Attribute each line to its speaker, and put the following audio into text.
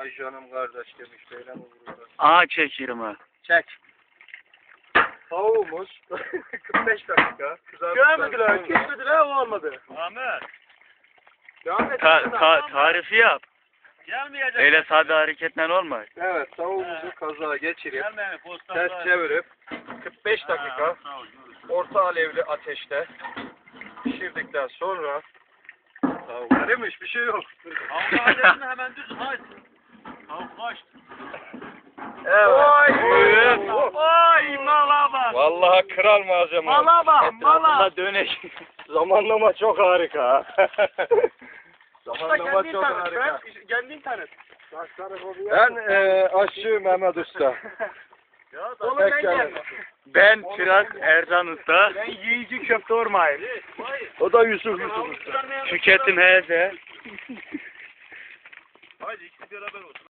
Speaker 1: Ay canım kardeş demiş. Böyle mi vururlar?
Speaker 2: Aha çekiyorum ha.
Speaker 1: Çek. Tavuğumuz 45 dakika.
Speaker 3: Görmediler, kesmediler, o olmadı.
Speaker 4: Ahmet.
Speaker 3: Devam et.
Speaker 2: Tarifi yap.
Speaker 4: Gelmeyecek.
Speaker 2: Öyle sade hareketler olmaz.
Speaker 1: Evet, tavuğumuzu kazağa geçirip
Speaker 4: Gelmeyin postada.
Speaker 1: ters çevirip 45 dakika orta alevli ateşte pişirdikten sonra tavuk demiş bir şey yok.
Speaker 4: Tavuk adetini hemen düz haydi. Tavuk kaçtı.
Speaker 1: Evet.
Speaker 4: Oy mala bak.
Speaker 1: Vallahi kral malzeme.
Speaker 4: Mala bak mala.
Speaker 2: Etrafında dönek.
Speaker 1: Zamanlama çok harika.
Speaker 3: Usta
Speaker 1: Zamanlama
Speaker 3: kendin
Speaker 1: çok
Speaker 3: tanıt.
Speaker 1: harika.
Speaker 3: Kendin tanıt.
Speaker 1: Ben aşçı Mehmet Usta.
Speaker 3: Oğlum
Speaker 1: Tek
Speaker 3: ben
Speaker 1: geldim.
Speaker 3: geldim.
Speaker 2: Ben Çırak Erzan Usta.
Speaker 3: Ben yiyici köfte ormayım.
Speaker 1: O da Yusuf Usta.
Speaker 2: Tüketim heze.
Speaker 4: Haydi ikisi beraber olsun.